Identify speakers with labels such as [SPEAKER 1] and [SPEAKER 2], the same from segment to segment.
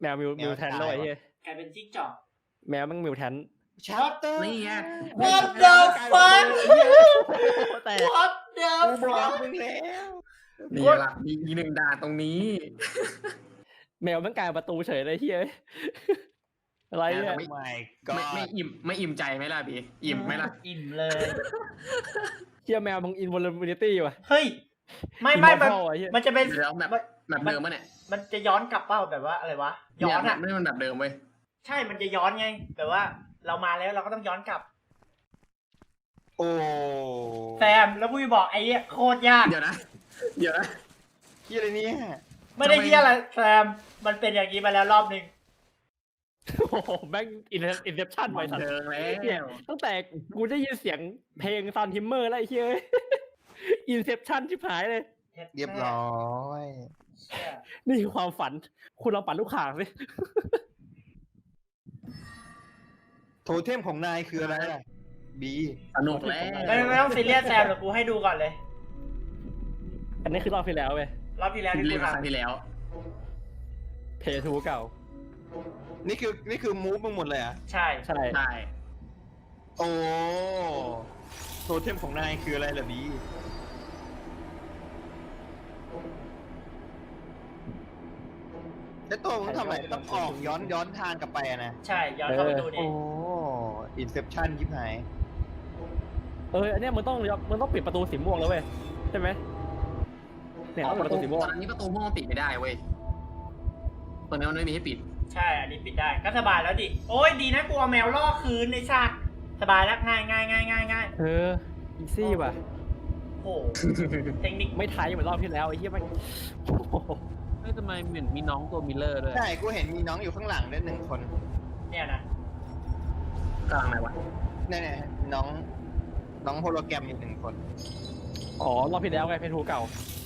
[SPEAKER 1] แมวมิวแทนเลยเฮีย
[SPEAKER 2] กลายเป็นจิ้งจอก
[SPEAKER 1] แมวมันมิวแทน
[SPEAKER 3] ชัตเตอร์
[SPEAKER 4] นี่ไง
[SPEAKER 2] What the fuck
[SPEAKER 1] แต่
[SPEAKER 2] What the
[SPEAKER 3] กูบอก
[SPEAKER 2] fuck
[SPEAKER 3] มึงแล้ว
[SPEAKER 4] นี่ล่ะมีหนึ่งด่านตรงนี้
[SPEAKER 1] แมวมันกลายประตูเฉยเลยเฮียอะไรเนี่ย
[SPEAKER 3] ไม่
[SPEAKER 4] ไม่อิ่มใจไหมล่ะพี่อิ่มไหมล่ะ
[SPEAKER 2] อิ่มเลย
[SPEAKER 1] เฮียแมวมึงอินวอลเลนิตี้ว่ะ
[SPEAKER 2] เฮ้ย ไม่
[SPEAKER 1] Immortal อะเหี้ย
[SPEAKER 2] มันจะเป็น
[SPEAKER 4] แล้วแบบเดิมปะเนี่ย
[SPEAKER 2] มันจะย้อนกลับเป้าแบบว่าอะไรวะ ย้อนอ่ะ
[SPEAKER 4] ไม่มันแบบเดิมเว้ย
[SPEAKER 2] ใช่ มันจะย้อนไง แบบว่าเรามาแล้วเราก็ต้องย้อนกลับ
[SPEAKER 3] โอ้
[SPEAKER 2] แซม แล้วผู้บอกไอ้เนี่ยโคตรยาก
[SPEAKER 4] เดี๋ยวนะ
[SPEAKER 3] ที่อะไรเนี่ย
[SPEAKER 2] ไม่ได้เที่ยอะไรแซม มันเป็นอย่างนี้มาแล้วรอบนึง
[SPEAKER 1] โอ้โหแม่งอินเซปชั่นไป
[SPEAKER 4] บัน
[SPEAKER 1] สัตว์
[SPEAKER 4] เทิงแล้
[SPEAKER 1] เนี่ยว ตั้งแต่กูได้ยินเสียงเพลงซันทิมเมอร์แล้วไอ้เฮียอินเซปชั่นชิบหายเลย
[SPEAKER 3] เรียบร้อย
[SPEAKER 2] เชี่ย
[SPEAKER 1] นี่คือความฝัน คุณลองปั่นลูกข่างสิ
[SPEAKER 3] โทเทมของนายคืออะไรล่ะบี
[SPEAKER 4] สนุกแล้ว
[SPEAKER 2] ไม่ต้องซีเรียสแซมเดี๋ยวกูให้ดูก่อนเลย
[SPEAKER 1] อันนี้คือรอบที่แล้วเว้ย
[SPEAKER 2] รอบที่แล้วที่
[SPEAKER 4] รี
[SPEAKER 2] กู
[SPEAKER 4] บมาครั้ง
[SPEAKER 2] ทำ
[SPEAKER 4] ที่แล้ว
[SPEAKER 1] เพย์ทูเก่า
[SPEAKER 3] นี่คือมูฟมึงหมดเลยอ่ะ
[SPEAKER 2] ใช่
[SPEAKER 1] ใช่
[SPEAKER 4] ใช่
[SPEAKER 3] โอ้โทเทมของนายคืออะไรล่ะบีแล้วตัวมึงทำอะไรต้องออกย้อนทางกลับไปอะนะ
[SPEAKER 2] ใช่ ย้อนเข้าไปดูดิ
[SPEAKER 3] โอ้อินเซปชั่นยิบหาย
[SPEAKER 1] อันเนี้ยมึงต้องปิดประตูสีม่วงแล้วเว้ยใช่ไหมเนี่ยต้องปิดประตูสีม่วง
[SPEAKER 4] ตอนนี้ประตูม่วงปิดไม่ได้เว้ยตอนนี้มันไม่มีให้ปิด
[SPEAKER 2] ใช่ อันนี้ปิดได้ ก็สบายแล้วดิ โอ้ยดีนะกูเอาแมวล่อคืนในชาติสบายแล้วง่าย
[SPEAKER 1] อีซี่ว่ะ
[SPEAKER 2] โอ้โหเทคนิค
[SPEAKER 1] ไม่ไทยเหมือนรอบที่แล้วไอ้เหี้ยมันโอ้โห
[SPEAKER 5] เฮ้ยทำไมเหมือนมีน้องตัวมิลเลอร์ด้วย
[SPEAKER 3] ใช่กูเห็นมีน้องอยู่ข้างหลังด้วยหนึ่งคน
[SPEAKER 2] เนี่ยนะ
[SPEAKER 4] กลางไหนวะ
[SPEAKER 3] เนี่ยน้องโฮโลแกรมอยู่หนึ่งคน
[SPEAKER 1] อ๋อรอบที่แล้วไงเพย์ทูเก่า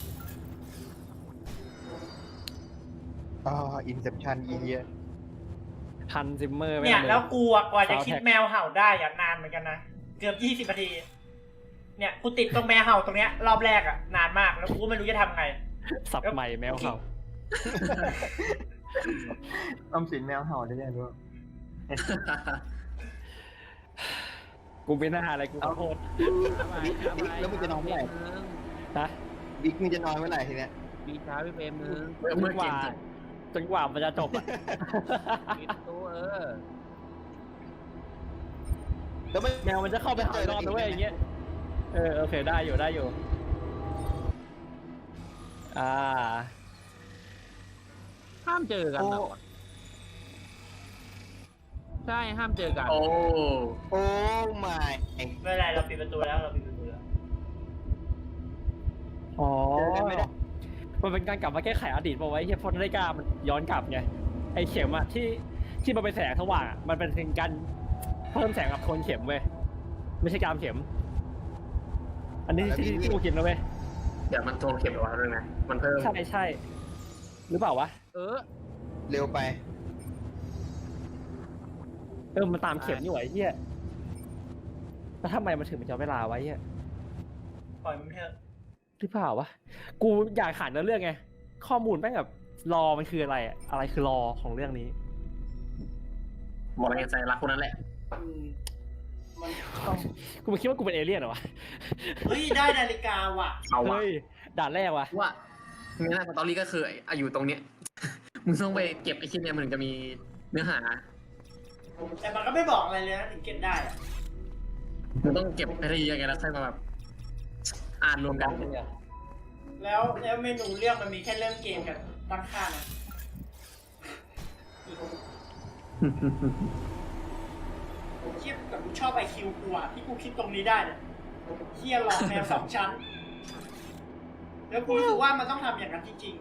[SPEAKER 3] อินเซปชั่นอีเดีย
[SPEAKER 1] ทันซิมเมอร์
[SPEAKER 2] เนี่ยแล้วกูอะกว่าจะคิด
[SPEAKER 1] Soundtrack
[SPEAKER 2] แมวเห่าได้อะนานเหมือนกันนะ เกือบ20 นาที เนี่ยกูติดตรงแมวเห่าตรงเนี้ยรอบแรกอะนานมาก แล้วกูก็ไม่รู้จะทำไง
[SPEAKER 1] สับใหม่แมวเห่า
[SPEAKER 3] ออมสินแมวเห่าได้ยังด้วย
[SPEAKER 1] กูไม่น่าอะไรกูขอโทษ
[SPEAKER 3] บิ๊กแล้วมึงจะนอนเมื่อไหร่
[SPEAKER 1] นะ
[SPEAKER 3] บิ๊กมึงจะนอนเมื่อไหร่ทีเนี้ย
[SPEAKER 5] มีช้าพี่เฟรมนึง
[SPEAKER 1] จนกว่ามันจะจบอ่ะ
[SPEAKER 5] ปิดตู้
[SPEAKER 3] แล้วไม่
[SPEAKER 1] แมวมันจะเข้าไปหาอีกรอบนะเว้ยอย่างเงี้ยโอเคได้อยู่
[SPEAKER 5] ห้ามเจอกันเหรอใช่ห้ามเจอกัน
[SPEAKER 4] โอ้
[SPEAKER 3] โอ้ไม่
[SPEAKER 2] ไม่เป็นไรเราปิดประตูแล้วเราปิดประตูแล้ว
[SPEAKER 1] อ๋อมันเป็นการกลับมาแก้ไขอดีตป่าวไว้เฮียพอนาฬิกามันย้อนกลับไงไอเข็มอะที่มันเป็นแสงสว่างอะมันเป็นการเพิ่มแสงกับโทนเข็มเว้ยไม่ใช่กามเข็ม อันนี้ที่กูคิดนะเว้ย
[SPEAKER 4] เดี๋ยวมันโทรเข็มหรอวะเรื่องนะมันเพิ่ม
[SPEAKER 1] ใช่หรือเปล่าวะ
[SPEAKER 3] เร็วไป
[SPEAKER 1] มันตามเข็มนี่หว่าไอ้เฮียแล้วทำไมมันถึงมันจะเวลาไว้เฮีย
[SPEAKER 2] ปล่อยมันเถอะ
[SPEAKER 1] หรือเปล่าวะกูอยากขานเรื่องไงข้อมูลแม่งแบบรอมันคืออะไรอะอะไรคือรอของเรื่องนี้
[SPEAKER 4] บอกอะไรใจรักคนนั้นแหละ
[SPEAKER 2] มันต้อง
[SPEAKER 1] กูไม่คิดว่ากูเป็นเอเลี่ยนเหรอวะ
[SPEAKER 2] เฮ้ยได้นาฬิกาว่ะ
[SPEAKER 4] เอาวะ
[SPEAKER 1] เฮ้ยด่านแรกวะ
[SPEAKER 4] ว่างั้นสตอรี่ก็คืออยู่ตรงเนี้ย มึงต้องไปเก็บไอ้ชิ้นเนี้ยมันถึงจะมีเนื้อหา
[SPEAKER 2] แต่มันก็ไม่บอกอะไรเลยนะถึงเก็บได้อะ
[SPEAKER 4] มึงต้องเก็บไปทียังไงแล้วค่อยมาแบบอ่านรวมกัน
[SPEAKER 2] แล้วเมนูเรื่องมันมีแค่เริ่มเกมกับตั้งค่านะเทียบกับกูชอบไอคิวกูอะที่กูคิดตรงนี้ได้เนี่ยเทียหลอกแนว2 ชั้น แล้วกูรู้สึกว่ามันต้องทำอย่างนั้นจริง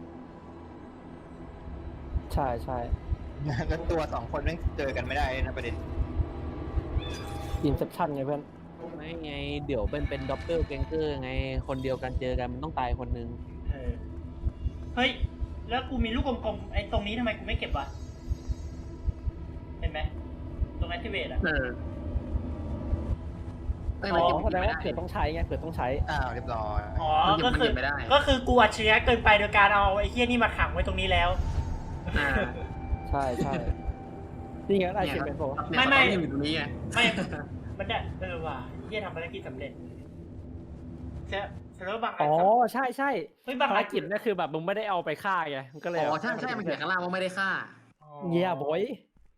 [SPEAKER 1] ใช่
[SPEAKER 3] แล้วตัวสองคนแม่งเจอกันไม่ได้นะประเด็น
[SPEAKER 1] อินเซปชั่นไงเพื่อน
[SPEAKER 5] ไม่ไง เดี๋ยวเป็นด็อปเปิลแกงเกอร์ไง คนเดียวกันเจอกันมันต้องตายคนนึง
[SPEAKER 2] ๆ เฮ้ย แล้วกูมีลูกกลมๆไอ้ตรงนี้ทำไมกูไม่เก็บวะ เห็นไหมตรง activate อะ
[SPEAKER 4] ไม่
[SPEAKER 1] อ๋
[SPEAKER 4] มัน
[SPEAKER 1] อ
[SPEAKER 4] เก็บ
[SPEAKER 1] แสดง
[SPEAKER 4] ไม่
[SPEAKER 1] ว่า
[SPEAKER 4] ได้
[SPEAKER 1] เผื่อต้องใช้ไงเผื่อต้องใช้
[SPEAKER 3] เรียบร้อย
[SPEAKER 2] อ๋อ
[SPEAKER 4] มันเก็บ
[SPEAKER 2] ก็คือ
[SPEAKER 4] มันเก็บไม่ได้
[SPEAKER 2] ก็คือกูอัจฉริยะเกินไปโดยการเอาไอ้เหี้ยนี่มาขังไว้ตรงนี้แล้ว
[SPEAKER 4] อ่า
[SPEAKER 1] ใช่ใช่นี่ไงได้เขียนเป็นโปร
[SPEAKER 2] ไม่ไม่
[SPEAKER 4] อยู่ตรงนี้ไง
[SPEAKER 2] ไม่ มันได้ว่ะเฮียทำภารกิจสำเร็จเซอร์บางอั
[SPEAKER 1] อ๋
[SPEAKER 2] น
[SPEAKER 1] อใช่ใช่
[SPEAKER 2] เฮ้ยบาง
[SPEAKER 1] ภาร
[SPEAKER 2] อัน
[SPEAKER 1] กิจนั่นคือแบบมึงไม่ได้เอาไปฆ่าไงมันก็เลย
[SPEAKER 4] อ๋อใช่ใช่มันเขียนข้างล่างว่าไม่ได้ฆ่า
[SPEAKER 1] เงียบอย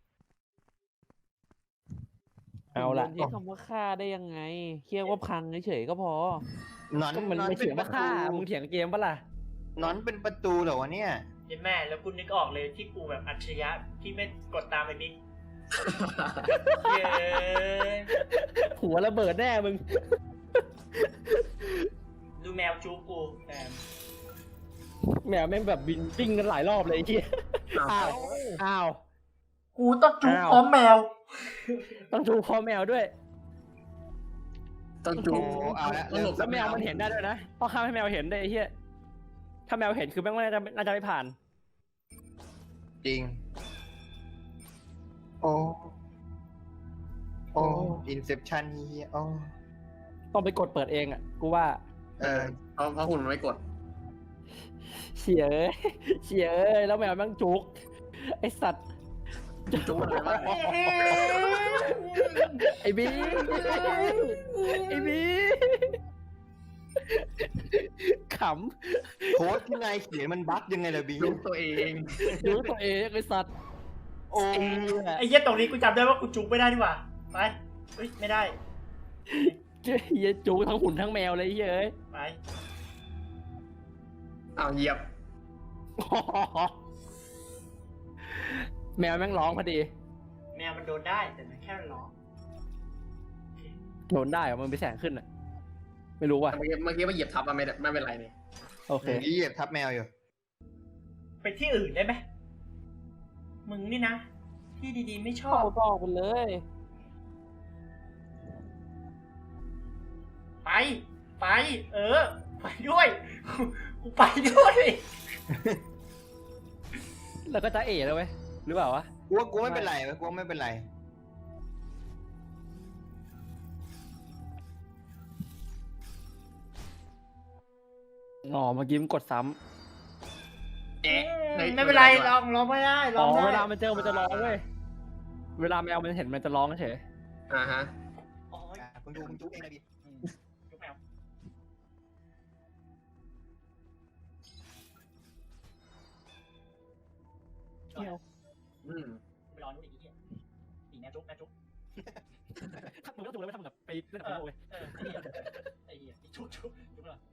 [SPEAKER 1] เอาละ
[SPEAKER 5] ใช้คำว่าฆ่าได้ยังไงเรียกว่าพังเฉยๆก็พอ
[SPEAKER 3] นอน
[SPEAKER 1] ก็มันไม่เถียงว่าฆ่ามึงเถียงเกมปะล่ะ
[SPEAKER 3] นอนเป็นประตูเหรอวะเนี่ย
[SPEAKER 2] เย็นแม่แล้วกูนึกออกเลยที่กูแบบอัจฉริยะที่ไม่กดตามไอ้บิ๊กเย้
[SPEAKER 1] หัวระเบิดแน่มึง
[SPEAKER 2] ดูแมวจูกูแมว
[SPEAKER 1] แมวแม่งแบบบินปิ้งกันหลายรอบเลยไอ้เหี้ยอ้าวอ้าว
[SPEAKER 2] กูต้องจู
[SPEAKER 1] อ้าว
[SPEAKER 2] พร้อมแมว
[SPEAKER 1] ต้องดูคอแมวด้วย
[SPEAKER 4] ต้องจู
[SPEAKER 3] โอ้เอาละ
[SPEAKER 4] ต้องหลบ
[SPEAKER 1] แล้วแมวมันเห็นได้ด้วยนะต้องห้ามให้แมวเห็นได้ไอ้เหี้ยถ้าแมวเห็นคือแม่งน่าจะไม่ผ่าน
[SPEAKER 3] จริง โอ้อินเซปชันเฮียโอ้
[SPEAKER 1] ต้องไปกดเปิดเองอ่ะกูว่า
[SPEAKER 4] เพราะหุ่นมันไม่กด
[SPEAKER 1] เฉียเอ้ยเฉียเอ้ยแล้วแมวแม่งจุกไอสัตว์
[SPEAKER 4] จูมันอะไรวะ
[SPEAKER 1] ไอบีไอบีข
[SPEAKER 3] โค้ดที่นายเขียนมันบั๊กยังไงล่ะบี
[SPEAKER 4] จูตัวเอง
[SPEAKER 1] ำดูตัวเองไอสัตว์
[SPEAKER 3] โอ้
[SPEAKER 2] ไอ้เหี้ยตรงนี้กูจำได้ว่ากูจูไม่ได้นี่หว่าไปเฮ้ยไม่ได้
[SPEAKER 1] เหี้ยจุกทั้งหุ่นทั้งแมวเลยไอ้เหี้ยเอ้ย
[SPEAKER 2] ไป
[SPEAKER 4] เอาเหยียบ
[SPEAKER 1] แมวแม่งร้องพอดี
[SPEAKER 2] แมวมันโดนได้แต่มันแค่ร้อง
[SPEAKER 1] โดนได้เหรอมันไปแสงขึ้นอ่ะ ไม่รู้ว่ะ
[SPEAKER 4] เมื่อกี้มาเหยียบทับมันไม่เป็นไรนี่
[SPEAKER 1] โอเค
[SPEAKER 3] นี่เหยียบทับแมวอยู่
[SPEAKER 2] ไปที่อื่นได้ไหมมึงนี่นะ ที่ดีๆไม่ชอ
[SPEAKER 5] เข้า
[SPEAKER 2] บ
[SPEAKER 5] ต่อไปเลย
[SPEAKER 2] ไป ไป ไปด้วย กูไปด้วย
[SPEAKER 1] แล้วก็จะเอ๋แล้วเว้ยหรือเปล่าวะ
[SPEAKER 3] กูไม่เป็นไรเว้ยกูไม่เป็นไร
[SPEAKER 1] อ๋อเมื่อกี้มันกดซ้
[SPEAKER 4] เอ๊ะ
[SPEAKER 2] ไม่เป็นไรลองไม่ได้
[SPEAKER 1] ำ
[SPEAKER 2] ล
[SPEAKER 1] อ๋
[SPEAKER 2] อ
[SPEAKER 1] อง
[SPEAKER 2] ได้
[SPEAKER 1] เวลามันเจอมันจะร้องเว้ยเวลาแมวมันเห็นมันจะร้องเฉย
[SPEAKER 4] อ่าฮะ
[SPEAKER 2] อ๋อ
[SPEAKER 3] มึงดูมึงจุ๊บเองนะบี
[SPEAKER 2] จุ๊บแมว
[SPEAKER 4] อืม
[SPEAKER 2] ไปรอนู้นอีกทีตีแม่จุ๊บ
[SPEAKER 1] มึงก็ถูกเลยไม่ทำแบบไปเล่นกับโลกเว้ย
[SPEAKER 2] ไอ้เหี้ยจุ๊บเหรอ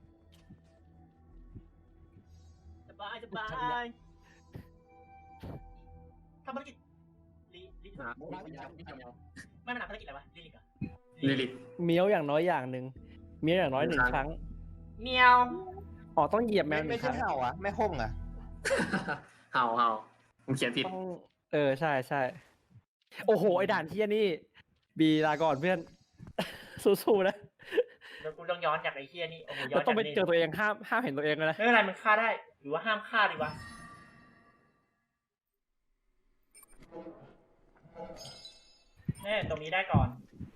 [SPEAKER 2] สบายทำภารกิจลิ
[SPEAKER 4] อ่า
[SPEAKER 2] ไม่มันทำภารกิจอะไรวะลิลิกเหรอ
[SPEAKER 4] ลิลิต
[SPEAKER 1] เมียวอย่างน้อยอย่างหนึ่งเมียวอย่างน้อยหนึ่งครั้ง
[SPEAKER 2] เมียว
[SPEAKER 1] อ๋อต้องเหยียบแมวหนึ่
[SPEAKER 3] ไม่
[SPEAKER 1] งค
[SPEAKER 3] ใช่
[SPEAKER 1] รั้ง
[SPEAKER 3] เห่าอ่ะไม่ห้องอ่ะ
[SPEAKER 4] เห่ามึงเขียนผิด
[SPEAKER 1] ต้องใช่ใช่โอ้โหไอ้ด่านที่นี่บีลาก่อนเพื่อน สู้ๆนะ
[SPEAKER 2] เดี๋ยวกูต้องย้อนจากไอ้เฮียนี่โอ้โหย้อ
[SPEAKER 1] เรา
[SPEAKER 2] น
[SPEAKER 1] ต้องไป
[SPEAKER 2] จากนี่
[SPEAKER 1] เจอตัวเองห้ามเห็นตัวเองเลยนะ
[SPEAKER 2] ไม่เป็นไรมันฆ่าได้ หรือว่าห้ามฆ่าดีวะแน่ตรงนี้ได้ก่อน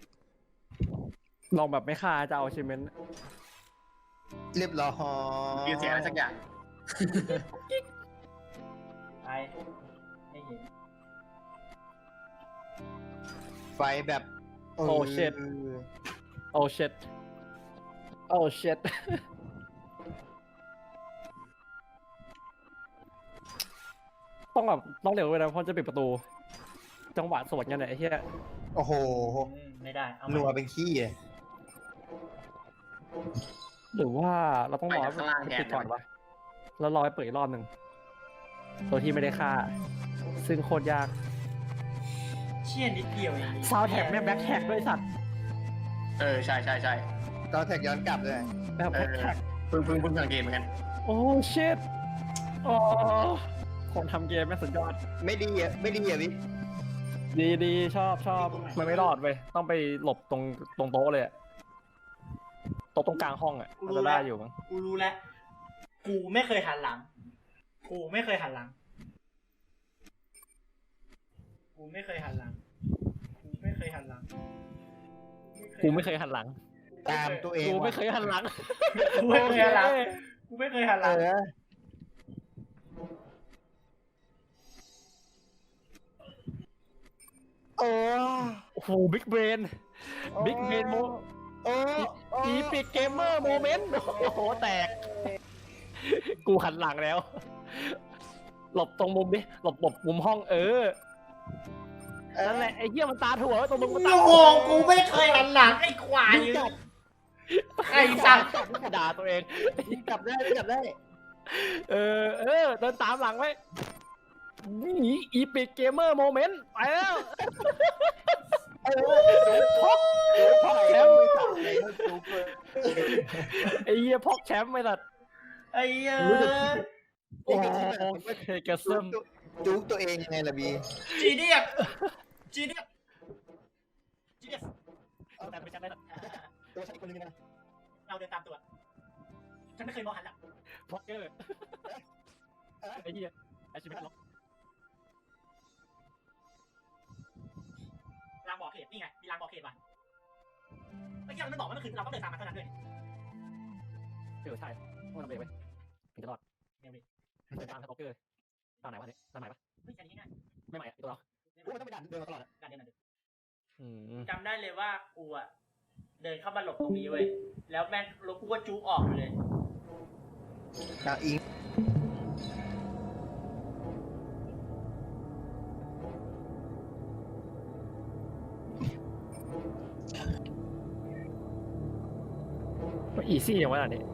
[SPEAKER 1] ลองแบบไม่ฆ่าจะเอาชิมเมนต์
[SPEAKER 3] เรียบร้อย
[SPEAKER 4] ยืนเสียอะไรสักอย่าง
[SPEAKER 2] ไปไม่เห็น
[SPEAKER 3] ไฟแบบ
[SPEAKER 1] โอ้เช็ดโอ้เช็ดโอ้เช็ดต้องเร็วเลยนะเพราะจะปิดประตู จังหวะสวนกันเนี่ยไอ้เหี้ย
[SPEAKER 3] โอ้โห
[SPEAKER 2] ไม่ได้เอา
[SPEAKER 3] นัวเป็นขี้เลย
[SPEAKER 1] หรือว่าเราต้องรอ
[SPEAKER 4] ไปจากข้างล่างแทน
[SPEAKER 1] ปิดก่อนวะแล้วรอให้เปิดอีกรอบหนึ่งโดยที่ไม่ได้ฆ่า ซึ่งโคตรยาก
[SPEAKER 2] เชี่ยนิดเดียวเอง
[SPEAKER 1] ซาวแท็กแม่งแบ็คแท็กด้วยสัตว์
[SPEAKER 4] ใช่
[SPEAKER 3] ตอนแท็กย้อนกลับเลย
[SPEAKER 1] แบบ
[SPEAKER 4] เอ
[SPEAKER 1] แบ็ค
[SPEAKER 4] อ
[SPEAKER 1] แท็ก
[SPEAKER 4] เพิ่งสังเกตเหมือนกัน
[SPEAKER 1] โอ้ชิตโอ้คนทำเกมแม่งสุดยอด
[SPEAKER 3] ไม่ดีอ่ะวิ
[SPEAKER 1] ดีชอบมันไม่รอดเว้ยต้องไปหลบตรงโต๊ะเลยอะโต๊ะตรงกลางห้องอะมันจะได้อยู่มั้ง
[SPEAKER 2] กูรู้แล้ว กูไม่เคยหันหลัง กูไม่เคยหันหลัง
[SPEAKER 1] กูไม่เคยหันหลัง
[SPEAKER 3] ตามตัวเอง
[SPEAKER 1] กูไม่
[SPEAKER 3] ว่ะ
[SPEAKER 1] เคยหันหลัง
[SPEAKER 2] กูไม่เคยหันหลัง กูไม่เคยหันหลัง
[SPEAKER 3] โอ้
[SPEAKER 1] โอ้โหบิ๊กเบรนบิ๊กเบรนโม
[SPEAKER 3] โอ้
[SPEAKER 1] อีพิกเกมเมอร์โมเมนต์โอ้โหแตกกูหันหลังแล้ว หลบตรงมุมดิหลบมุมห้องนั่นแหละไอ้เหี้ยมันตาถั่วตรงมุมมันตา
[SPEAKER 2] โอ้โหกูไม่เคยหันหลังไอ้ควายไอ้สัตว์
[SPEAKER 1] ด่าตัวเอง
[SPEAKER 3] กลับได้กลับได้
[SPEAKER 1] เดินตามหลังไว้นี่อีพิกเกมเมอร์โมเมนต์ไปแล้วพกแชมป์ไอ้เหี้ยพกแชมป์ไม่ตัด
[SPEAKER 2] ไอ้เหี้ย
[SPEAKER 1] โอ้โหกระซึม
[SPEAKER 3] จุกตัวเองยังไงล่ะบี
[SPEAKER 2] จีเดียสจีเดียสจีเดียส
[SPEAKER 1] แต่ไม่ใช่ไม่ตัด
[SPEAKER 3] ตัวฉันอีกคนนึงนะ
[SPEAKER 2] เราเดินตามตัวฉันไม่เคยมองหันหลัง
[SPEAKER 1] พกเกอร์ไอ้เหี้ยไอ้ชีวิตล็อก
[SPEAKER 2] รางบอกเหตุนี่ไงมีรางบอกเหตุว่ะไม่ใช่เราไม่บอกว่ามันคือเราต้องเดินตามมันเท่านั้นด้วย
[SPEAKER 1] ใช่ต้องทำเองไว้ถึงจะรอดเดินตามพกเกอร์ตามไหนวะเนี่ยตามไหนปะ
[SPEAKER 2] เฮ้ยแค่นี้ง่าย
[SPEAKER 1] ไม่ใหม่ตัวเรา
[SPEAKER 3] กูต้องไปดันเดินมาตลอด
[SPEAKER 2] การเดินจำได้เลยว่ากูอะเดินเข้ามาหลบตรงนี้เว้ยแล้วแม่งรถกูก็จู๊ออกเลย
[SPEAKER 3] อ่ะอิง
[SPEAKER 1] อีซี่อย่างวะเนี่ย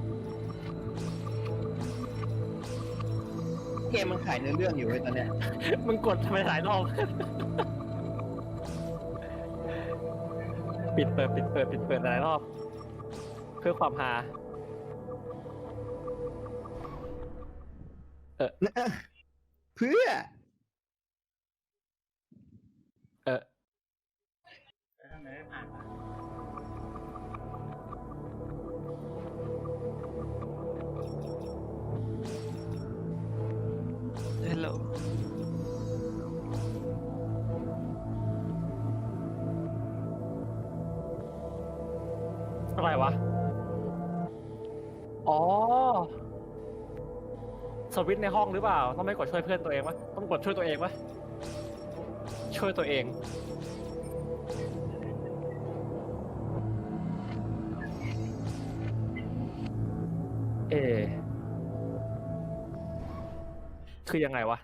[SPEAKER 3] เกมมันขายเนื้อเรื่องอยู่ไว้ตอนเนี้ย
[SPEAKER 1] มึงกดทำไมหลายรอบปิดเปิดหลายรอบเพื่อความฮา
[SPEAKER 3] เพื่อ
[SPEAKER 2] แล้วทำไมไม่ผ่านวะ
[SPEAKER 5] Hello
[SPEAKER 1] อะไรวะอ๋อสวิตช์ในห้องหรือเปล่าต้องไม่กดช่วยเพื่อนตัวเองวะต้องกดช่วยตัวเองวะช่วยตัวเองคือยังไงวะ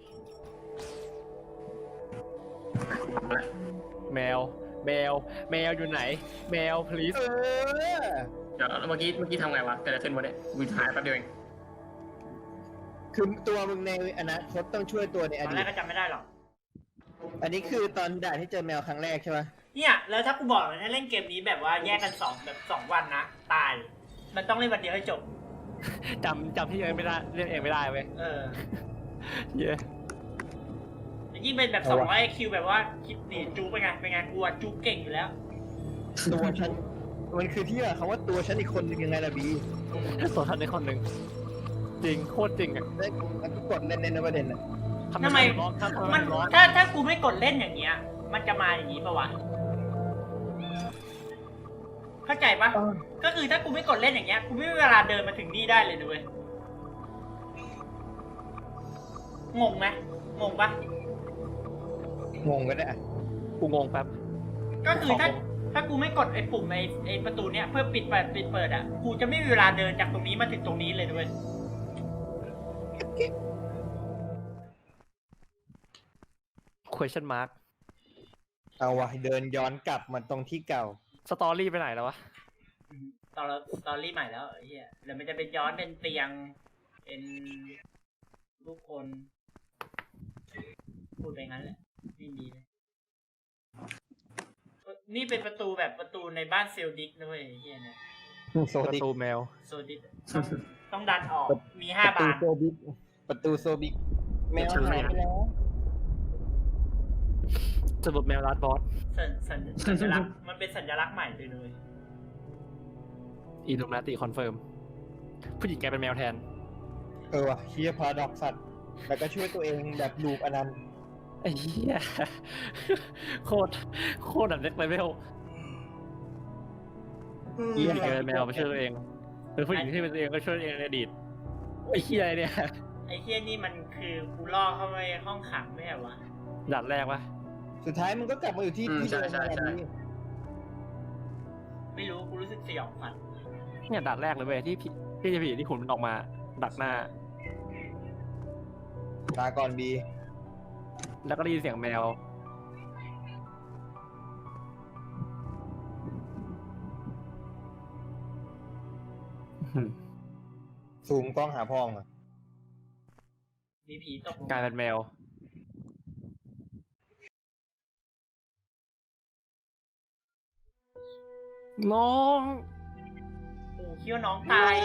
[SPEAKER 1] แมวอยู่ไหนแมว please
[SPEAKER 4] เดี๋ยวเมื่อกี้ทำไงวะเกิดอะไรขึ้นวะเนี่ยวิหายแป๊บเดียวเอง
[SPEAKER 3] คือตัวมึงในอนาคตต้องช่วยตัวในอ
[SPEAKER 2] ตอน
[SPEAKER 3] ดี
[SPEAKER 2] แร
[SPEAKER 3] ต
[SPEAKER 2] กก็จำไม่ได้หรอก
[SPEAKER 3] อันนี้คือตอนด่านที่เจอแมวครั้งแรกใช่ไหม
[SPEAKER 2] เนี่ยแล้วถ้ากูบอกเลยถ้าเล่นเกมนี้แบบว่าแยกกันสองวันนะตาย มันต้องเล่นวันเดียวให้จบ
[SPEAKER 1] จำที่เองไม่ได้เล่นเองไม่ได้เว้ย เย้
[SPEAKER 2] ยิ่งเป็นแบบ200 คิวแบบว่าคิดหนีจู๊เป็นไงกูอะจู๊เก่งอยู่แล้ว
[SPEAKER 3] ตัวฉันมันคือที่ว่าคำว่าตัวฉันอีกคนนึงยังไงล่ะบี
[SPEAKER 1] ตัวทันในคนหนึ่งจริงโคตรจริงอ่ะ
[SPEAKER 3] แล้วก็กดเล่นในประเด็นอ่ะ
[SPEAKER 2] ทำไม
[SPEAKER 1] ร้องทำไม
[SPEAKER 2] มัน
[SPEAKER 1] ร้อง
[SPEAKER 2] ถ้ากูไม่กดเล่นอย่างเงี้ย มันจะมาอย่างงี้ปะวะ เข้าใจปะก็คือถ้ากูไม่กดเล่นอย่างเงี้ย กูไม่มีเวลาเดินมาถึงนี่ได้เลยด้วยงงไหมงงปะ
[SPEAKER 3] งงกันได้อะ
[SPEAKER 1] กูงงแป๊บ
[SPEAKER 2] ก็คือถ้ากูไม่กดไอ้ปุ่มไอ้ประตูเนี้ยเพื่อปิดเปิดอ่ะ กูจะไม่มีเวลาเดินจากตรงนี้มาถึงตรงนี้เลยด้วย
[SPEAKER 1] question mark
[SPEAKER 3] เอาวะเดินย้อนกลับมาตรงที่เก่า
[SPEAKER 1] สตอรี่ไปไหนแล้ววะ
[SPEAKER 2] ตอนรีใหม่แล้วไอ้เหี้ยเดี๋ยวมันจะเป็นย้อนเป็นเตียง เป็นรูปคน พูดไปงั้นแหละไม่ดีเลย นี่เป็นประตูแบบประตูในบ้านเซลดิกนะเว้ยไอ้เหี้ยนะ
[SPEAKER 3] โซ
[SPEAKER 1] ประ
[SPEAKER 3] บิก
[SPEAKER 1] ตูแมว
[SPEAKER 2] โซดิกต้องดันออก มี
[SPEAKER 3] ประ
[SPEAKER 2] 5
[SPEAKER 3] ตู
[SPEAKER 2] บาน
[SPEAKER 3] โซบิกประตูโซบิกแมวหายไปแล้ว
[SPEAKER 1] สรุปแมวลัดบอส
[SPEAKER 2] สัญลักษณ์มันเป็นสัญลักษณ์ใหม่เลย
[SPEAKER 1] อีลูมนาติคอนเฟิร์มผู้หญิงแกเป็นแมวแทน
[SPEAKER 3] ว่ะเฮียพาราดอกสัตว์แล้วก็ช่วยตัวเองแบบลูปอนันต์
[SPEAKER 1] ไอ้เหี้ยโคตรแบบเล็กไปเวลผู้หญิงแกเป็นแมวมาช่วยตัวเองเป็นผู้หญิงที่เป็นตัวเองก็ช่วยตัวเองในอดีตไอ้เหี้ยอะไรเนี่ย
[SPEAKER 2] ไอ้เหี้ยนี่มันคือกูล่อเข้าไปห้องขังไม่ใช่วะ
[SPEAKER 1] ด่านแรกวะ
[SPEAKER 3] สุดท้ายมันก็กลับมาอยู่ที่
[SPEAKER 4] อืม
[SPEAKER 3] ที่เดิม
[SPEAKER 4] ใช่
[SPEAKER 3] นั่นแหละ
[SPEAKER 4] ใช่
[SPEAKER 3] พี่
[SPEAKER 2] ไม่รู้กูรู้สึกสยองขวัญ
[SPEAKER 1] เนี่ยดักแรกเลยเว้ยที่ผีที่ขุนมันออกมาดักหน้า
[SPEAKER 3] ลาก่อนบี
[SPEAKER 1] แล้วก็ได้ยินเสียงแมว
[SPEAKER 3] ซูมกล้องหาพ่องอะ
[SPEAKER 2] มีผีตก
[SPEAKER 1] กลายเป็นแมว น้อง
[SPEAKER 2] โอ้คิดว่าน้องตาย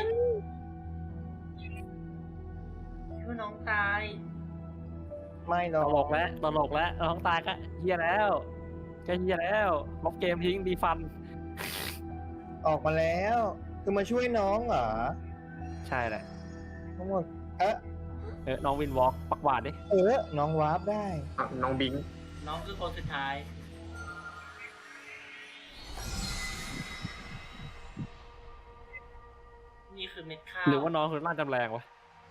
[SPEAKER 2] คิดว่าน้องตาย
[SPEAKER 3] ไม่หร
[SPEAKER 1] ต
[SPEAKER 3] อก
[SPEAKER 1] ลกแล้วน้องตายก็เฮียแล้วก็เฮียแล้วลบเกมทิ้งดีฟัน
[SPEAKER 3] ออกมาแล้ว คือมาช่วยน้องเหรอ
[SPEAKER 1] ใช่แหละ
[SPEAKER 3] ทั้งหมด
[SPEAKER 1] น้องวินวอล์กปักหวาดดิ
[SPEAKER 3] น้องวาร์ปได้
[SPEAKER 4] น้องบิง
[SPEAKER 2] น้องคือคนสุดท้าย นี่คือเม็ดข้าว
[SPEAKER 1] หรือว่าน้องคือร่างจำแรงวะ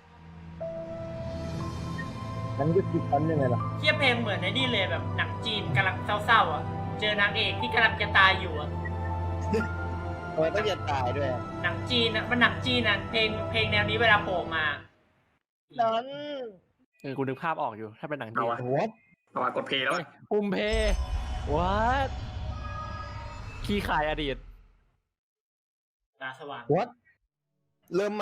[SPEAKER 3] นั้นก็ติดตันยังไงล่ะ
[SPEAKER 2] เทียบเพลงเหมือนในนี่เลยแบบหนังจีนกำลังเศร้าๆอ่ะ เจอนางเอกที่กำลังจะตายอยู่อ่ะ
[SPEAKER 3] ทำไมต้องจะตายด้วย
[SPEAKER 2] หนังจีนอ่ะมันหนังจีนอ่ะเพลงแนวนี้เวลาโผล่มา
[SPEAKER 3] นั้น
[SPEAKER 1] กูนึกภาพออกอยู่ถ้าเป็นหนังจี
[SPEAKER 4] เอา
[SPEAKER 1] น
[SPEAKER 4] วะ
[SPEAKER 3] วัด
[SPEAKER 4] เอาวะกดเพลย์แล้ว
[SPEAKER 1] ปุ่มเพวัดขี้ขายอดีต
[SPEAKER 2] ตาสว่าง
[SPEAKER 3] วัดเริ่มใหม่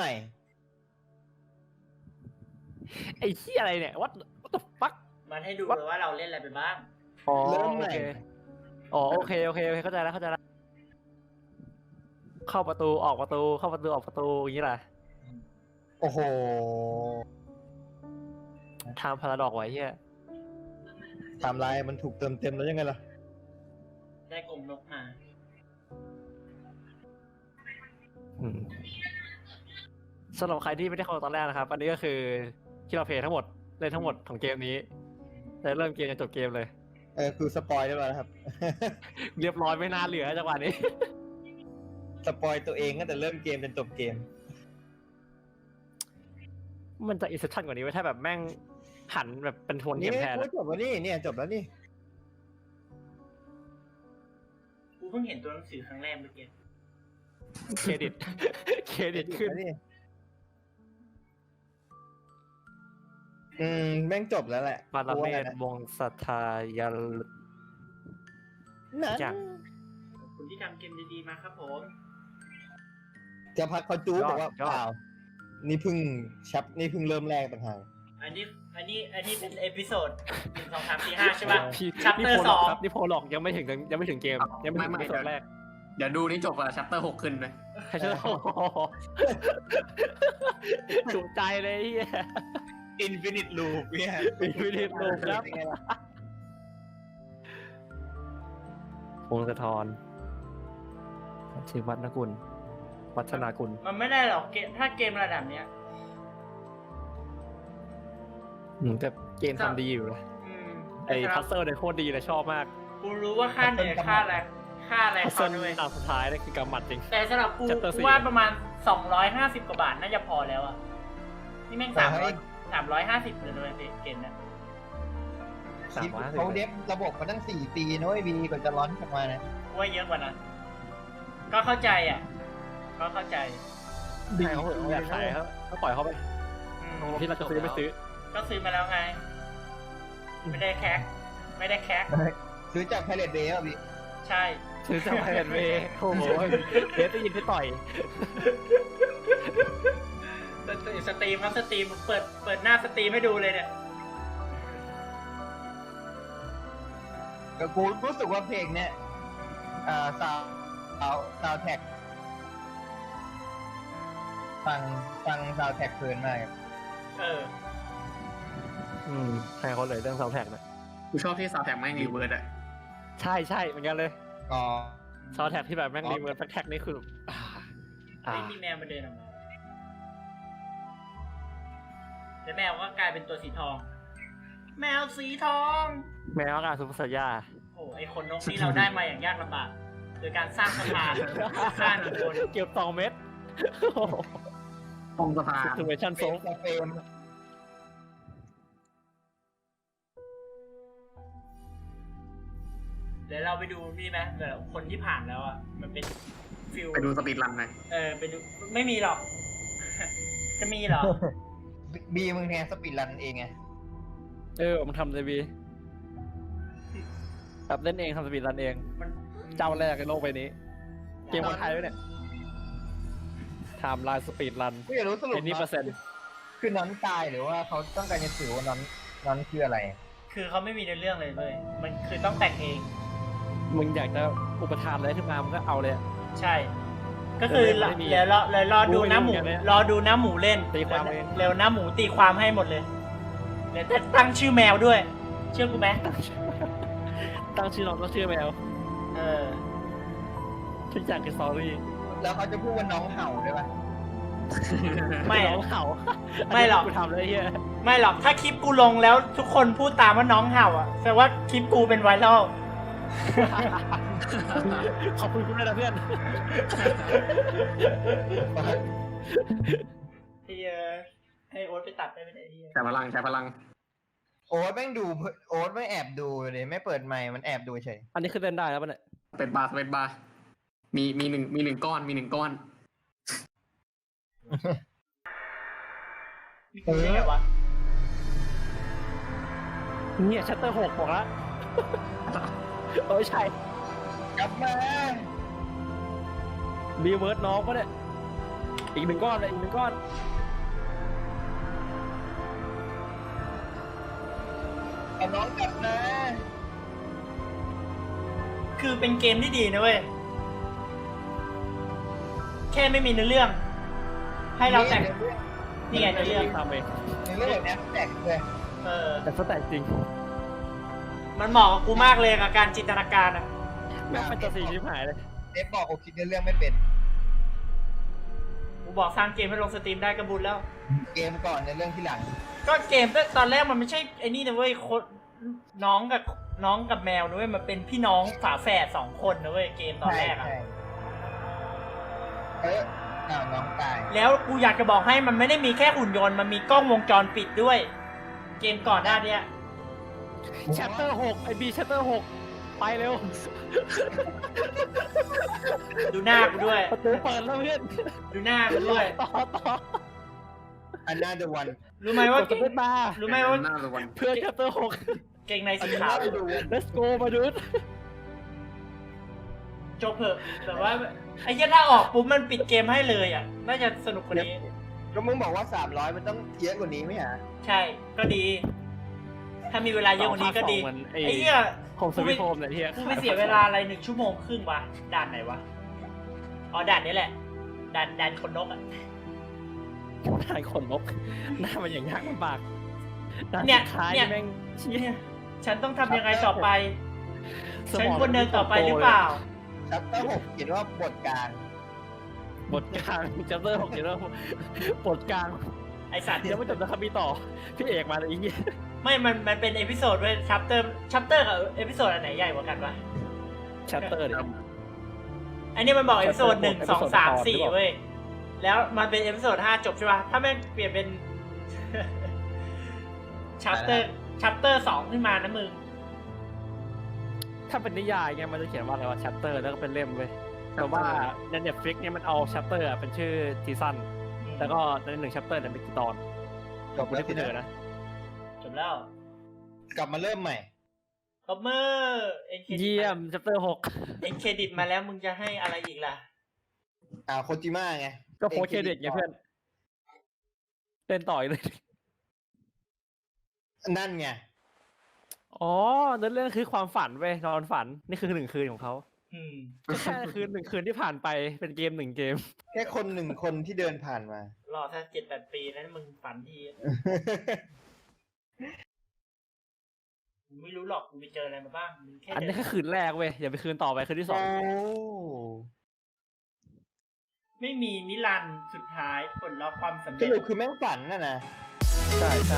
[SPEAKER 1] ไอ้ขี้ยอะไรเนี่ย what the fuck
[SPEAKER 2] มันให้ดูเลยว่าเราเล่นอะไรไปบ้าง
[SPEAKER 1] อ๋อ
[SPEAKER 3] เริ่ม
[SPEAKER 1] โอ
[SPEAKER 3] ใหม่
[SPEAKER 1] เคอ๋อโอเคเข้าใจแล้วเข้าประตูออกประตูเข้าประตูออกประตูอย่างนี้แหละ
[SPEAKER 3] โอ้โห
[SPEAKER 1] ทำพาราดอกไว้เฮีย
[SPEAKER 3] ไทม์ไลน์มันถูกเติมเต็มแล้วยังไงล่ะ
[SPEAKER 2] ได้กลมนกมา
[SPEAKER 1] อืมสำหรับใครที่ไม่ได้เข้าตอนแรกนะครับ อันนี้ก็คือที่เราเพลย์ทั้งหมดเล่นทั้งหมดของเกมนี้แต่เริ่มเกมจนจบเกมเลย
[SPEAKER 3] คือสปอยได้แล้วนะครับ
[SPEAKER 1] เรียบร้อยไม่น่าเหลือจังหวะนี้
[SPEAKER 3] สปอยตัวเองตั้งแต่เริ่มเกมจนจบเกม
[SPEAKER 1] มันจะอินเซปชั่นกว่านี้ไว้ถ้าแบบแม่งหันแบบเป็นโทนเก
[SPEAKER 3] นี่
[SPEAKER 1] มแทน
[SPEAKER 3] จบแล้วนี่เนี่ยจบแล้วนี่
[SPEAKER 2] กูเพิ่งเห็นตัวหนังสือครั้งแรกเมื่อกี้
[SPEAKER 1] เครดิต เครดิตขึ้น
[SPEAKER 3] แล้วนี่แม่งจบแล้วแหละ
[SPEAKER 1] ปาราเมศวงศรัทธายา
[SPEAKER 3] นั้น
[SPEAKER 1] อย่าง
[SPEAKER 2] ขอบคุณที่ทำเกมดีๆมาครับผม
[SPEAKER 3] จะพักเขาจู๊บอกว่า
[SPEAKER 1] ยอด
[SPEAKER 3] เปล่า นี่เพิ่งนี่เพิ่งเริ่มแรกต่างหาก
[SPEAKER 2] อันนี้เป็นเอพิโซด1 2 3 4 5ใช่ป่ะ
[SPEAKER 1] พี่
[SPEAKER 2] Chapter
[SPEAKER 1] นี่โพล
[SPEAKER 2] 2
[SPEAKER 1] ครับนี่โพลอกยังไม่ถึงเกมยังไม่ถึง
[SPEAKER 4] ไม่
[SPEAKER 1] เอพิโซดแรก
[SPEAKER 4] เดี๋ยวดูนี่จบอะชัปเตอร์6ขึ้นเลย
[SPEAKER 1] ใครจะโอ้โหจุใจเลยเฮีย
[SPEAKER 3] Infinite Loop เนี่ย
[SPEAKER 1] Infinite Loop ครับ พงศธรชื่อวัฒนกุลวัฒนากุล
[SPEAKER 2] มันไม่ได้หรอกถ้าเกมระดับเนี้ย
[SPEAKER 1] แต่เกมทำดีอยู่นะ
[SPEAKER 2] อืม
[SPEAKER 1] ไอ้พัซเซิลเนี่ยโคตรดีเลยชอบมาก
[SPEAKER 2] กูรู้ว่าค่าเหนื่อยค่าอะไร
[SPEAKER 1] พัซ
[SPEAKER 2] เขา
[SPEAKER 1] เซิล
[SPEAKER 2] ด้วย
[SPEAKER 1] ตามสุดท้ายนี่คือกำหมัดจริง
[SPEAKER 2] แต่สำหรับกู
[SPEAKER 1] Chapter
[SPEAKER 2] กู
[SPEAKER 1] 4
[SPEAKER 2] ว่าประมาณ250 กว่าบาทน่าจะพอแล้วอ่ะ นี่แม่ง350เลยด้วยเกมเนี้ย
[SPEAKER 3] คิดว่าเขาเดฟระบบมาตั้ง4 ปีนะเว้ยบีกว่าจะร้อนออกมานะ
[SPEAKER 2] กูว่าเยอะกว่านั้น ก็เข้าใจอ่ะ ก็เข้าใจ
[SPEAKER 1] ใช่เขาเหอะอยากขายเขาปล่อยเขาไป
[SPEAKER 2] อืม
[SPEAKER 1] ที่เราจะซื้อไม่ซื้อ
[SPEAKER 2] ก็ซื้อมาแล้วไง ไม่ได้แคก
[SPEAKER 3] ซื้อจากไพเรตเบย์อ่ะบี
[SPEAKER 2] ใช่
[SPEAKER 1] ซื้อจากไพเรตเวย์โอ้โหเบสได้ยินที่ต่อย
[SPEAKER 2] สตรีมครับสตรีมเปิดหน้าสตรีมให้ดูเลยเนี่ย
[SPEAKER 3] ก็กูรู้สึกว่าเพลงเนี้ยซาวแท็กฟังซาวแท็กเพลินมากครับ
[SPEAKER 2] เออ
[SPEAKER 1] ให้เขาเลยเรื่องซาวด์แทร็กนะ
[SPEAKER 4] กูชอบที่ซาวด์แทร็กแม่งรีเวิร์ดอะ
[SPEAKER 1] ใช่เหมือนกันเลย
[SPEAKER 3] อ๋อ
[SPEAKER 1] ซาวด์แทร็กที่แบบแม่งรีเวิร์สแท็กนี่คืออ่า
[SPEAKER 2] ไม่มีแมวมาเดินออกมาแล้วแมวก็กลายเป็นตัวสีทอง แมวสีทอง
[SPEAKER 1] แมวกับซุปเปอร์สัญญา
[SPEAKER 2] โอ้ไอคนนกนี่เราได้มาอย่างยากลำบากโดยการสร้างสะพานข้ามคน
[SPEAKER 1] เก็บ2 เม็ด
[SPEAKER 4] ตรงสะพาน
[SPEAKER 1] ซิทูเอชั่นโซฟ
[SPEAKER 3] เฟรม
[SPEAKER 2] เดี๋ยวเราไปดูนี่ไหมเดี๋ยวคนที่ผ่านแล้วอ่ะมันเป็นฟิล
[SPEAKER 4] ไปดูสปีดรันหน่อย
[SPEAKER 2] ไปดูไม่มีหรอก จะมีเหรอ
[SPEAKER 3] บีมึงแทนสปีดรันเองไง
[SPEAKER 1] มันทำเลยบีแบบเล่นเองทำสปีดรันเอง
[SPEAKER 2] มัน
[SPEAKER 1] เจ้าแรกในโลกใบนี้ เกมคนไทยด้วยเนี่ยไทม์ไลน์สปีดรัน
[SPEAKER 3] กูอยากรู้สรุป
[SPEAKER 1] เป็นนี่เปอร์เซ็นต์
[SPEAKER 3] คือน้อนตายหรือว่าเขาต้องการจะสื่อว่าน้อนคืออะไร
[SPEAKER 2] คือเขาไม่มีในเรื่องเลยเว้ยมันคือต้องแต่งเอง
[SPEAKER 1] มึงอยากจะอุปทานอะไรขึ้นมามึงก็เอาเลยอะ
[SPEAKER 2] ใช่ ก็คือ
[SPEAKER 1] ไม่มี
[SPEAKER 2] เดี๋ยวรอดูน้าหมู
[SPEAKER 1] รู้ไม่รู้เหมือนกันเนี่ย
[SPEAKER 2] รอดูน้าหมูเล่น
[SPEAKER 1] ตีความเอง
[SPEAKER 2] เร็วน้าหมูตีความให้หมดเลยเดี๋ยวจะตั้งชื่อแมวด้วย เชื่อกูไหม
[SPEAKER 1] ตั้งชื่อน้องก็ชื่อแมว
[SPEAKER 2] เออ
[SPEAKER 1] ทุกอย่างคือสตอรี่
[SPEAKER 3] แล้วเขาจะพูดว่าน้องเห่าด้วยป่ะ
[SPEAKER 2] ไม่
[SPEAKER 1] น้องเห่า
[SPEAKER 2] ไม่หรอก
[SPEAKER 1] กูทำเลยเฮีย
[SPEAKER 2] ไม่หรอกถ้าคลิปกูลงแล้วทุกคนพูดตามว่าน้องเห่าอ่ะแสดงว่าคลิปกูเป็นไวรัล
[SPEAKER 1] ขอบคุณคุณด้วยนะเพื่อน
[SPEAKER 2] เฮียให้โอ๊ตไปตัดได้ไหมเนี่ยเฮีย
[SPEAKER 4] ใช้พลัง
[SPEAKER 3] โอ๊ตแม่งดูโอ๊ตไม่แอบดูเลยไม่เปิดไมค์มันแอบดูเฉย
[SPEAKER 1] อันนี้คือเล่นได้แล้วป่ะเนี่ย
[SPEAKER 4] เป็นบาร์มีหนึ่งก้อน
[SPEAKER 2] มีกูได้ไงวะ
[SPEAKER 1] เนี่ยชัตเตอร์6บอกแล้วใช่
[SPEAKER 3] กลับมา
[SPEAKER 1] รีเวิร์สน้องป่ะเนี่ยอีกหนึ่งก้อนเลยอีกหนึ่งก้อน
[SPEAKER 3] เอาน้องกลับมา
[SPEAKER 2] คือเป็นเกมที่ดีนะเว้ยแค่ไม่มีเนื้อเรื่อง ให้เราแต่งนี่ไงเนื้อเรื่อง
[SPEAKER 1] ทำเอง
[SPEAKER 3] ในเรื่องแบบนี้แตกเลย
[SPEAKER 2] เออ
[SPEAKER 1] แต่สแต็กจริง
[SPEAKER 2] มันเหมาะกับกูมากเลยกับการจินตนาการอ่ะ
[SPEAKER 1] แม่งเป็นตัวสีชิบหายเลย
[SPEAKER 3] เดฟบอกกูคิดในเรื่องไม่เป็น
[SPEAKER 2] กูบอกสร้างเกมให้ลงสตรีมได้ก็บุญแล้ว
[SPEAKER 3] เกมก่อนในเรื่องที่หลัง
[SPEAKER 2] ก็เกมตอนแรกมันไม่ใช่ไอ้นี่นะเว้ยน้องกับแมวนะเว้ยมันเป็นพี่น้องฝาแฝด2 คนนะเว้ยเกมตอนแรกอ่ะ
[SPEAKER 3] ใช่น้องตาย
[SPEAKER 2] แล้วกูอยากจะบอกให้มันไม่ได้มีแค่หุ่นยนต์มันมีกล้องวงจรปิดด้วย เกมก่อนหน้าเนี้ย
[SPEAKER 1] ชัตเตอร์6ไอบีชัตเตอร์6ไปเร็ว
[SPEAKER 2] ดูหน้ากูด้วย
[SPEAKER 1] ประตูเปิดแล้วเพื่อน
[SPEAKER 2] ดูหน้ากูด้วย
[SPEAKER 1] ต่อ
[SPEAKER 3] อันน่าจะวัน
[SPEAKER 2] รู้ไหมว่า
[SPEAKER 1] กดสเปซบาร์
[SPEAKER 2] รู้ไหมว่า
[SPEAKER 4] หน้าวัน
[SPEAKER 1] เพื่อนชัตเตอร์
[SPEAKER 2] เกงในสีขาว
[SPEAKER 1] 6 let's go มาดู
[SPEAKER 2] จบเถอะแต่ว่าไอ้เหี้ยถ้าออกปุ๊บมันปิดเกมให้เลยอ่ะน่าจะสนุกกว่านี้
[SPEAKER 3] ก็มึงบอกว่า300มันต้องเยอะกว่านี้ไหมฮะ
[SPEAKER 2] ใช่ก็ดี ถ้ามีเวลาเยอะกว่านี้ก็ดี
[SPEAKER 1] เหมือนไอ้
[SPEAKER 2] ไอ้เหี้ย
[SPEAKER 1] โฮมสวิตโฮมเนี่ยเฮีย
[SPEAKER 2] กูไม่เสียเวลาอะไร1 ชั่วโมงครึ่งวะด่านไหนวะอ๋อด่านนี้แหละด่านคนนกอ่ะ
[SPEAKER 1] ทายขนนกหน้ามันอย่างยากลำบาก
[SPEAKER 2] เนี่ย
[SPEAKER 1] ท้าย
[SPEAKER 2] เนี่ย
[SPEAKER 1] แม่งเชี่ย
[SPEAKER 2] ฉันต้องทำยังไงต่อไป
[SPEAKER 1] ส
[SPEAKER 2] ฉัน
[SPEAKER 1] มอง
[SPEAKER 2] ควรเดินต่อไปหรือเปล่า
[SPEAKER 3] ชัปเตอร์6เขียนว่าบทกลาง
[SPEAKER 1] บทกลางจัปเตอร์6เดี๋ยวบทกลาง
[SPEAKER 2] ไอสัตว์
[SPEAKER 1] เดี๋ยวไม่จบนะครับมีต่อพี่เอกมาเลยอีกเงี้ย
[SPEAKER 2] ไม่มันเป็นเอพิโซดเว้ยชัปเตอร์กับเอพิโซดอันไหนใหญ่กว่ากันวะ
[SPEAKER 1] ชัตเตอร์ดิ
[SPEAKER 2] อันนี้มันบอกเอพิโซด
[SPEAKER 1] Chapter
[SPEAKER 2] 1 2 3
[SPEAKER 1] หรือเปล่า
[SPEAKER 2] 4เว้ยแล้วมันเป็นเอพิโซด5จบใช่ป่ะถ้าแม่งเปลี่ยนเป็น ชัปเตอร์2ขึ้นมานะมึง
[SPEAKER 1] ถ้าเป็นนิยายเนี่ยมันจะเขียนว่าอะไรว่าชัตเตอร์แล้วก็เป็นเล่มเว้ยแต่ว่าใน Netflix เนี่ยมันเอาชัตเตอร์เป็นชื่อซีซั่นแล้วก็ใน1ชัปเตอร์เนี่ยเป็นกี่ตอน
[SPEAKER 3] จบ
[SPEAKER 1] ไม่
[SPEAKER 3] แล้
[SPEAKER 1] ได้
[SPEAKER 3] ว
[SPEAKER 1] พู
[SPEAKER 3] สิ
[SPEAKER 1] ดเถ
[SPEAKER 3] นะ
[SPEAKER 1] อะนะ
[SPEAKER 2] จบแล้ว
[SPEAKER 3] กลับมาเริ่มใหม่
[SPEAKER 2] ตบมือเอ็นเครดิต
[SPEAKER 1] เยี่ยมชัปเตอร์
[SPEAKER 2] เอ็นเครดิตมาแล้วมึงจะให้อะไรอีกล่ะ
[SPEAKER 3] โคจิมะไง
[SPEAKER 1] 6ก็โพสเครดิตไงเพื่อนเล่นต่อยเลย
[SPEAKER 3] นั่นไง
[SPEAKER 1] อ๋อเนื้อเรื่องคือความฝันเว้ยนอนฝันนี่คือ1 คืนของเขา
[SPEAKER 2] อืม
[SPEAKER 1] ก็แค่คืน1 คืนที่ผ่านไปเป็นเกม1 เกม
[SPEAKER 3] แค่คน1 คนที่เดินผ่านมา
[SPEAKER 2] รอถ้า7-8 ปีนั้นมึงฝันทีกูไม่รู้หรอกกูไปเจออะไรมาบ้างมึงแค่
[SPEAKER 1] อันนี้แค่คืนแรกเว้ยอย่าไปคืนต่อไปคืนที่
[SPEAKER 3] โอ้
[SPEAKER 2] ไม่มีนิรันดร์สุดท้ายผลลัพธ์ความสำ
[SPEAKER 3] ส
[SPEAKER 2] เร็จ
[SPEAKER 3] รุปคือแม่งฝันน่ะนะ
[SPEAKER 1] ใช่ใช่